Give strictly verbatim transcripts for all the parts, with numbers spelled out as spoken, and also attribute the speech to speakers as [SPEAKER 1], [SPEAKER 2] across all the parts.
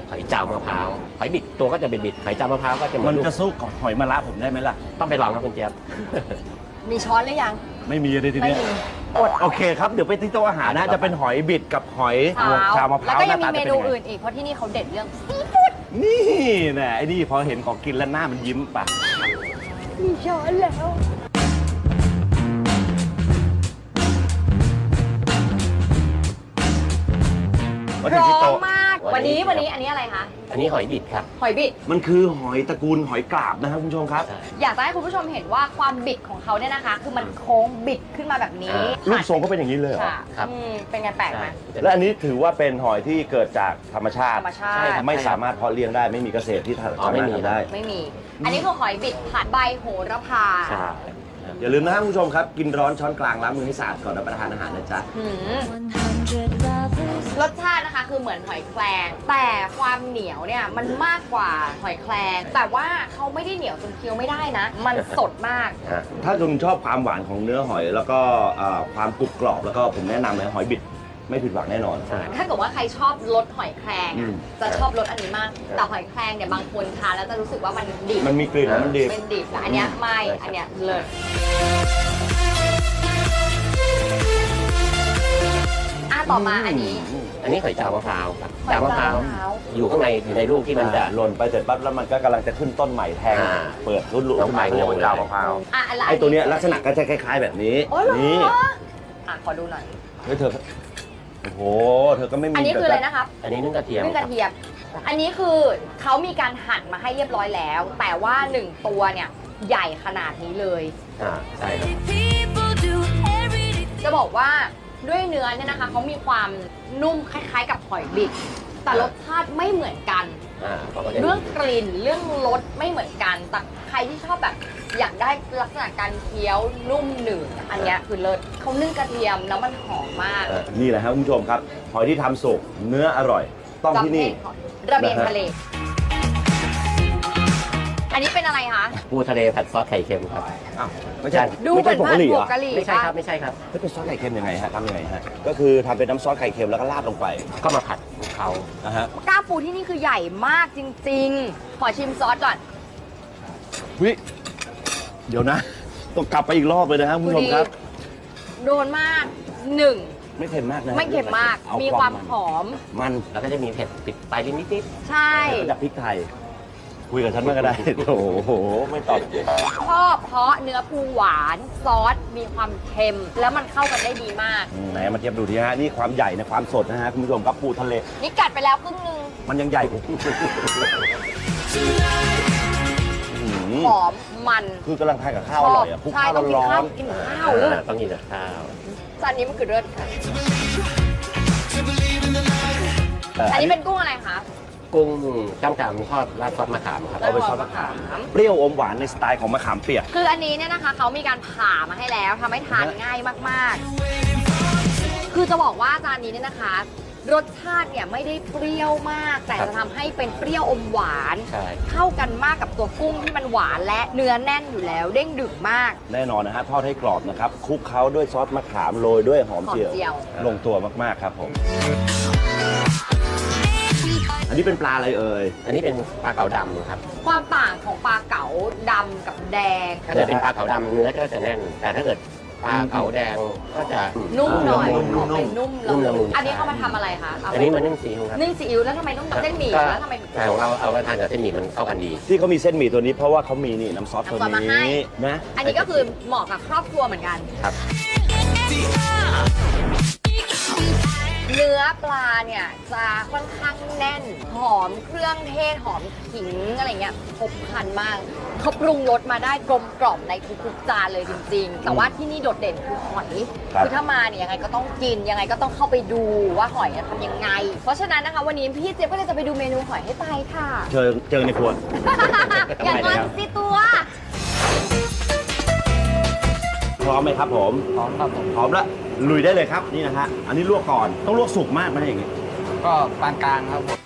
[SPEAKER 1] หอยเจ้ามะพร้าวหอยบิดตัวก็จะเป็นบิดหอยเจ้ามะพร้าวก็จะเหมื
[SPEAKER 2] มั
[SPEAKER 1] อน น
[SPEAKER 2] จะสู้กับหอยมะระผมได้ไหมล่ะ
[SPEAKER 1] ต้องไปลองครับคุณเจี๊ยบ
[SPEAKER 3] มีช้อนหรือยัง
[SPEAKER 2] ไม่มีเลยที
[SPEAKER 3] ไม่
[SPEAKER 2] เนี้ย
[SPEAKER 3] มี
[SPEAKER 2] อดโอเคครับเดี๋ยวไปที่โต๊ะอาหารนะจะเป็นหอยบิดกับหอย
[SPEAKER 3] เท้า
[SPEAKER 2] ชามะพ
[SPEAKER 3] แล้ว
[SPEAKER 2] ร้าว
[SPEAKER 3] ก็
[SPEAKER 2] ห
[SPEAKER 3] ยั
[SPEAKER 2] น้าง
[SPEAKER 3] มี
[SPEAKER 2] ตา
[SPEAKER 3] เม
[SPEAKER 2] จะเป็น
[SPEAKER 3] นู
[SPEAKER 2] ยังไง
[SPEAKER 3] อื่นอีกเพราะที่นี่เขาเด็ดเรื่องซีฟู้ด
[SPEAKER 2] นี่แน่ไอ้นี่พอเห็นของกินแล้วหน้ามันยิ้มปะ
[SPEAKER 3] มีช้อนแล้ว
[SPEAKER 2] มา
[SPEAKER 3] พ
[SPEAKER 2] ถึง
[SPEAKER 3] ร้อ
[SPEAKER 2] ที่
[SPEAKER 3] ม
[SPEAKER 2] โต๊ะ
[SPEAKER 3] มาก วันนี้วันนี้อันนี้อะไรคะ
[SPEAKER 1] อันนี้หอยบิดครับ
[SPEAKER 3] หอยบิด
[SPEAKER 2] มันคือหอยตระกูลหอยกราบนะครับคุณผู้ชมครับ
[SPEAKER 1] ใช่
[SPEAKER 3] อยากจะให้คุณผู้ชมเห็นว่าความบิดของเขาเนี่ยนะคะ คือมันโค้งบิดขึ้นมาแบบนี้
[SPEAKER 2] รูปทรงก็เป็นอย่างนี้เลยเหรอ
[SPEAKER 3] ค่ะ
[SPEAKER 1] ครับ
[SPEAKER 3] อืมเป็นไงแปลกไหม
[SPEAKER 1] ใช่
[SPEAKER 2] และอันนี้ถือว่าเป็นหอยที่เกิดจากธรรมชา
[SPEAKER 3] ธ
[SPEAKER 2] ติ
[SPEAKER 3] รรมชา
[SPEAKER 1] ใช่
[SPEAKER 3] ติ
[SPEAKER 1] ครับ
[SPEAKER 2] ไม่สามารถเพาะเลี้ยงได้ไม่มีเกษตรที่
[SPEAKER 1] อ๋อ
[SPEAKER 2] สา
[SPEAKER 1] ไม่
[SPEAKER 2] มารถ
[SPEAKER 1] มี
[SPEAKER 2] ทำได้
[SPEAKER 3] ไม่มี อันนี้คือหอยบิดผัดใบโหระพา
[SPEAKER 1] ใช่
[SPEAKER 2] อย่าลืมนะครับคุณผู้ชมครับ กินร้อนช้อนกลางล้างมือให้สะอาดก่อนรับประทานอาหารนะจ๊ะ
[SPEAKER 3] หืมรสชาตินะคะคือเหมือนหอยแครงแต่ความเหนียวเนี่ยมันมากกว่าหอยแครงแต่ว่าเขาไม่ได้เหนียวจนเคี้ยวไม่ได้นะ มันสดมาก
[SPEAKER 2] ถ้าคุณชอบความหวานของเนื้อหอย แล้วก็เอ่อความกรุบกรอบแล้วก็ผมแนะนำเลยหอยบิดไม่ผิดหวังแน่นอน
[SPEAKER 1] ใช่
[SPEAKER 3] ถ้าเกิดว่าใครชอบรสหอยแครง
[SPEAKER 2] อื
[SPEAKER 3] อะ
[SPEAKER 2] ม
[SPEAKER 3] จะชอบรสอันนี้มาก แต่หอยแครงเนี่ยบางคนทานแล้วจะรู้สึกว่ามันดิบ
[SPEAKER 2] มันมีกลิ่นมันดี
[SPEAKER 3] เป็นดิบแต่อันเนี้ยไม่
[SPEAKER 1] ใช่ครับ
[SPEAKER 3] อันเนี้ยเลิศอ่ะต่อมาอันนี้
[SPEAKER 1] อันนี้หอยเจ้ามะพร้าวครับ
[SPEAKER 3] หอย
[SPEAKER 1] เจ้ามะพร้าว
[SPEAKER 3] เจ้ามะพร้าว
[SPEAKER 1] อยู่ข้างในอยู่ในลูกที่มันจะ
[SPEAKER 2] หล่นไปเสร็จปั๊บแล้วมันก็กำลังจะขึ้นต้นใหม่แทง
[SPEAKER 1] อ่า
[SPEAKER 2] เปิดรุ่นลูก
[SPEAKER 1] น้องไป
[SPEAKER 2] ขึ้นมา
[SPEAKER 1] งงเลย
[SPEAKER 2] เจ้ามะพร้าว
[SPEAKER 3] อ่ะอันละ
[SPEAKER 2] ไอ้ตัวเนี้ยลักษณะก็จะคล้าย ๆ แบบนี้
[SPEAKER 3] โอ้เหรอ
[SPEAKER 2] นี่
[SPEAKER 3] อ่ะขอดูหน่อย
[SPEAKER 2] เฮ้ยเธอโอ้โหเธอก็ไม่มี
[SPEAKER 3] อันนี้คืออะไรนะครับ
[SPEAKER 1] อันนี้นึ่งกระเทียม
[SPEAKER 3] นึ่ง
[SPEAKER 1] ค
[SPEAKER 3] ก
[SPEAKER 1] รับ
[SPEAKER 3] ระเทียม อันนี้คือเขามีการหั่นมาให้เรียบร้อยแล้ว แต่ว่าหนึ่งตัวเนี่ยใหญ่ขนาดนี้เลย
[SPEAKER 1] อ่าใช่ครับ
[SPEAKER 3] จะบอกว่าด้วยเนื้อเนี่ยนะคะเขามีความนุ่มคล้ายๆกับหอยบิด แต่รสชาติไม่เหมือนกัน
[SPEAKER 1] อ่าเขาก็จะ
[SPEAKER 3] เรื่องกลิ่นเรื่องรสไม่เหมือนกัน แต่ใครที่ชอบแบบอยากได้ลักษณะการเคี้ยวนุ่มหนืดอันเนี้ยคือเลิศเขานึ่งกระเทียมแล้วมันหอมมาก
[SPEAKER 2] นี่แหละครับคุณผู้ชมครับหอยที่ทำสุกเนื้ออร่อย ต้องที่นี่
[SPEAKER 3] ระเบียง
[SPEAKER 2] นะฮะ
[SPEAKER 3] ทะเล อันนี้เป็นอะไรคะ
[SPEAKER 1] ปูทะเลผัดซอสไข่เค็มครับ
[SPEAKER 2] อ้าวไม่ใช่
[SPEAKER 3] ดู
[SPEAKER 2] ไม่
[SPEAKER 3] เหมื
[SPEAKER 2] ใช่
[SPEAKER 3] อน
[SPEAKER 2] ผง
[SPEAKER 3] ผั
[SPEAKER 2] กะ
[SPEAKER 3] ด
[SPEAKER 2] หรี่
[SPEAKER 3] ผ
[SPEAKER 2] เหรง อ
[SPEAKER 3] กะหรี่
[SPEAKER 1] ไม่ใช่ครับ
[SPEAKER 3] ปะ
[SPEAKER 1] ไม่ใช่ครับ
[SPEAKER 2] เฮ้ยเป็นซอสไข่เค็มยังไงฮะทำยังไงฮะก็คือทำเป็นน้ำซอสไข่เค็มแล้วก็ราดลงไป
[SPEAKER 1] ก็มาผัดคลุกเขา
[SPEAKER 2] นะฮะ
[SPEAKER 3] กล้ามปูที่นี่คือใหญ่มากจริงๆ ขอชิมซอสก่อน
[SPEAKER 2] วิเดี๋ยวนะ ต้องกลับไปอีกรอบเลยนะครับคุณผู้ชมครับ
[SPEAKER 3] โดนมากหนึ่ง
[SPEAKER 2] ไม่เค็มมากนะ
[SPEAKER 3] ไม่เค็มมาก
[SPEAKER 2] เอา
[SPEAKER 3] มี
[SPEAKER 2] ค
[SPEAKER 3] ความ
[SPEAKER 2] น
[SPEAKER 3] หอม
[SPEAKER 2] มัน
[SPEAKER 1] แล้วก็จะมีเผ็ดติดปลายลิ้นนิด
[SPEAKER 3] ใช่
[SPEAKER 2] แล้วก็จะพริกไทย คุยกับฉันมากก็ได้ โอ้โห ไม่ตอบ
[SPEAKER 3] ชอบเพราะเนื้อปูหวานซอสมีความเค็ม แล้วมันเข้ากันได้ดีมาก
[SPEAKER 2] อืมไหนมาเทียบดูทีฮะนี่ความใหญ่ในความสดนะฮะคุณผู้ชมครับปูทะเล
[SPEAKER 3] นี่กัดไปแล้วครึ่งนึง
[SPEAKER 2] มันยังใหญ่กว่าอื้อหือ
[SPEAKER 3] หอมมัน
[SPEAKER 2] คือกำลังทานกับข้าว
[SPEAKER 3] ช
[SPEAKER 2] อ
[SPEAKER 3] อ
[SPEAKER 2] ร่
[SPEAKER 3] บ
[SPEAKER 2] อยอ่ะคลุก
[SPEAKER 3] ใช่
[SPEAKER 2] ข้าว
[SPEAKER 3] ต้องกิน
[SPEAKER 2] ร้อ
[SPEAKER 3] ข้าวน กินข้าวเลย
[SPEAKER 1] อ่าต้องกินกับข้าว
[SPEAKER 3] จานนี้มันคือเลิศค่ะ
[SPEAKER 2] ๆ
[SPEAKER 3] อันนี้เป็นกุ้งอะไรคะ
[SPEAKER 1] กุ้งจ้ำจำทอดราดซอสมะขามครับ
[SPEAKER 2] เอาไปซอสมะขาม เปรี้ยวอมหวานในสไตล์ของมะขามเปียก
[SPEAKER 3] คืออันนี้เนี่ยนะคะเขามีการผ่ามาให้แล้วทำให้ทานง่ายมากๆ คือจะบอกว่าจานนี้เนี่ยนะคะ รสชาติเนี่ยไม่ได้เปรี้ยวมาก แต่จะทำให้เป็นเปรี้ยวอมหวาน
[SPEAKER 1] ใช่
[SPEAKER 3] เข้ากันมากกับตัวกุ้งที่มันหวานและเนื้อแน่นอยู่แล้ว เด้งดึกมาก
[SPEAKER 2] แน่นอนนะฮะทอดให้กรอบนะครับคลุกเคล้าด้วยซอสมะขามโรยด้วยหอม
[SPEAKER 3] หอม
[SPEAKER 2] เจียว
[SPEAKER 3] เจียว
[SPEAKER 2] ลงตัวมากๆครับผม อันนี้เป็นปลาอะไรเอ่ย
[SPEAKER 1] อันนี้เป็นปลาเก๋าดำครับ
[SPEAKER 3] ความต่างของปลาเก๋าดำกับแดง
[SPEAKER 1] ถ้าเกิดเป็นปลาเก๋าดำเนื้อก็จะแน่น แต่ถ้าเกิดปลาเก๋าแดงก็จะ
[SPEAKER 3] นุ่มหน่อย
[SPEAKER 1] นุ่ม
[SPEAKER 3] ออกเป็นนุ่ม
[SPEAKER 1] นุ่ม
[SPEAKER 3] ละ
[SPEAKER 1] ละมุ
[SPEAKER 3] มุน
[SPEAKER 1] น
[SPEAKER 3] อันนี้เขามาทำอะไรคะเา
[SPEAKER 1] อันนี้มันนึ่งซีอิ๊วครับ
[SPEAKER 3] นึ่งซีอิ๊วแล้วทำไมต้องเส้นหมี่
[SPEAKER 1] ก็
[SPEAKER 3] แล้วทำไม
[SPEAKER 1] แต่ของเราเอาไปทานกับเส้นหมี่มันเข้ากันดี
[SPEAKER 2] ที่เขามีเส้นหมี่ตัวนี้เพราะว่าเขามีนี่น้ำซอสตัว
[SPEAKER 3] น้ำซอสมาให้
[SPEAKER 2] นี้นะ
[SPEAKER 3] อันนี้ก็คือเหมาะกับครอบครัวเหมือนกัน
[SPEAKER 1] ครับ
[SPEAKER 3] เนื้อปลาเนี่ยจะค่อนข้างแน่น หอมเครื่องเทศหอมขิงอะไรเงี้ยครบครันมากเขาปรุงรสมาได้กลมกล่อมในทุกๆจานเลยจริงๆ แต่ว่าที่นี่โดดเด่นคือหอยคือถ้ามาเนี่ยยังไงก็ต้องกินยังไงก็ต้องเข้าไปดูว่าหอยเนี่ยทำยังไง เพราะฉะนั้นนะคะวันนี้พี่เจี๊ยบก็เลยจะไปดูเมนูหอยให้ไปค่ะ
[SPEAKER 2] เจอเจอในครัว
[SPEAKER 3] อย่างงอนสิตัว
[SPEAKER 2] พร้อมไหมครับผม
[SPEAKER 4] พร้อมครับผม
[SPEAKER 2] พร้อมแล้วลุยได้เลยครับนี่นะฮะอันนี้ลวกก่อนต้องลวกสุกมากไหมอย่างงี้
[SPEAKER 4] ก็ปานกลางครับผม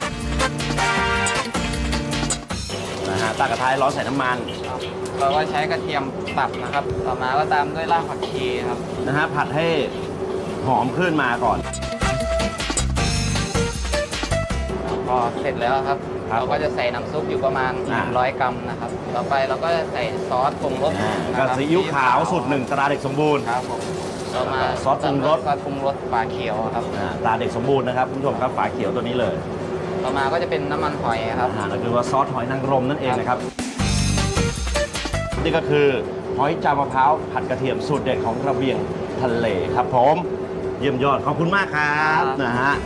[SPEAKER 2] นะฮะตากระทายร้อนใส่น้ำมัน
[SPEAKER 4] เราก็ใช้กระเทียมสับนะครับ ต่อมาก็ตามด้วยรากผักชีครับ
[SPEAKER 2] นะฮะผัดให้หอมขึ้นมาก่อน
[SPEAKER 4] พอพอเสร็จแล้วครับ
[SPEAKER 2] ครับ
[SPEAKER 4] เราก็จะใส่น้ำซุปอยู่ประมาณ
[SPEAKER 2] อ่า
[SPEAKER 4] ร้อยกรัมนะครับ ต่อไปเราก็จะใส่ซอสปรุงรส
[SPEAKER 2] อ่า
[SPEAKER 4] นะ
[SPEAKER 2] ก็
[SPEAKER 4] ครับ
[SPEAKER 2] ซีอิ๊วขาวสูตรหนึ่งตราเด็กสมบูรณ์
[SPEAKER 4] ครับผมต่อมา
[SPEAKER 2] ซอสปรุงรส
[SPEAKER 4] ซอสปรุงรสฝาเขียวครับ
[SPEAKER 2] อ่าตราเด็กสมบูรณ์นะครับคุณผู้ชมครับฝาเขียวตัวนี้เลย
[SPEAKER 4] ต่อมาก็จะเป็นน้ำมันหอยครับ
[SPEAKER 2] อาหารก็คือว่าซอสหอยนางรมนั่นเองนะครับ นี่ก็คือหอยจามมะพร้าวผัดกระเทียมสูตรเด็ดของระเบียงทะเลครับผมเยี่ยมยอดขอบคุณมากครับ
[SPEAKER 4] ครับ
[SPEAKER 2] นะฮะ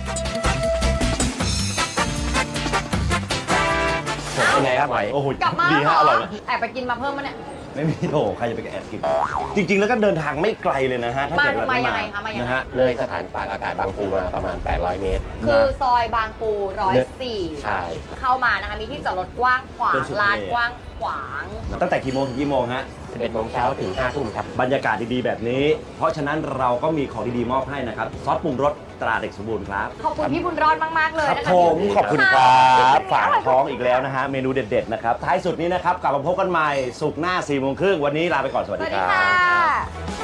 [SPEAKER 1] เป็นไงครับหอย
[SPEAKER 2] โอ้โห
[SPEAKER 3] กลับมา
[SPEAKER 2] ดี
[SPEAKER 3] เหร
[SPEAKER 2] ฮะ
[SPEAKER 3] อ
[SPEAKER 2] อร่อยไหม
[SPEAKER 3] แอบไปกินมาเพิ่มมาเนี่ย
[SPEAKER 2] ไม่มีโถใครจะไปแอบกิน จริง ๆ แล้วก็เดินทางไม่ไกลเลยนะฮะถ้าเกิด
[SPEAKER 3] มา
[SPEAKER 2] ว่า
[SPEAKER 3] มายัง
[SPEAKER 2] มา
[SPEAKER 3] ไงคะมายังไง
[SPEAKER 2] นะฮะ
[SPEAKER 1] เลยสถานปากอากาศบางปูมาประมาณ แปดร้อยเมตร
[SPEAKER 3] คือซอยบางปูร้อยสี่
[SPEAKER 1] ใช่
[SPEAKER 3] เข้ามานะคะมีที่จอดรถกว้างขวา
[SPEAKER 2] เป็
[SPEAKER 3] ง
[SPEAKER 2] นสุด
[SPEAKER 3] ลาน
[SPEAKER 2] เลย
[SPEAKER 3] กว้างขวาง
[SPEAKER 2] ตั้งแต่กี่โมงถึงกี่โมงฮะ
[SPEAKER 1] สิบเอ็ดโมงเช้าถึงห้าทุ่มครับ
[SPEAKER 2] บรรยากาศดีๆแบบนี้ เพราะฉะนั้นเราก็มีของดีๆมอบให้นะครับซอสปรุงรสตราเด็กสมบูรณ์ครับ
[SPEAKER 3] ขอบคุณพี่บุญรอดมาก ๆ เลย
[SPEAKER 2] ครับ
[SPEAKER 3] นะคะ
[SPEAKER 2] ผม
[SPEAKER 3] ที่
[SPEAKER 2] ขอบคุณครับฝากท้องอีกแล้วนะฮะเมนูเด็ดๆนะครับท้ายสุดนี้นะครับกลับมาพบกันใหม่สุกร์หน้าสี่โมงครึ่งวันนี้ลาไปก่อนสวัส
[SPEAKER 3] ส
[SPEAKER 2] ดี
[SPEAKER 3] วัส
[SPEAKER 2] ค
[SPEAKER 3] ดี
[SPEAKER 2] รับ
[SPEAKER 3] ค่ะ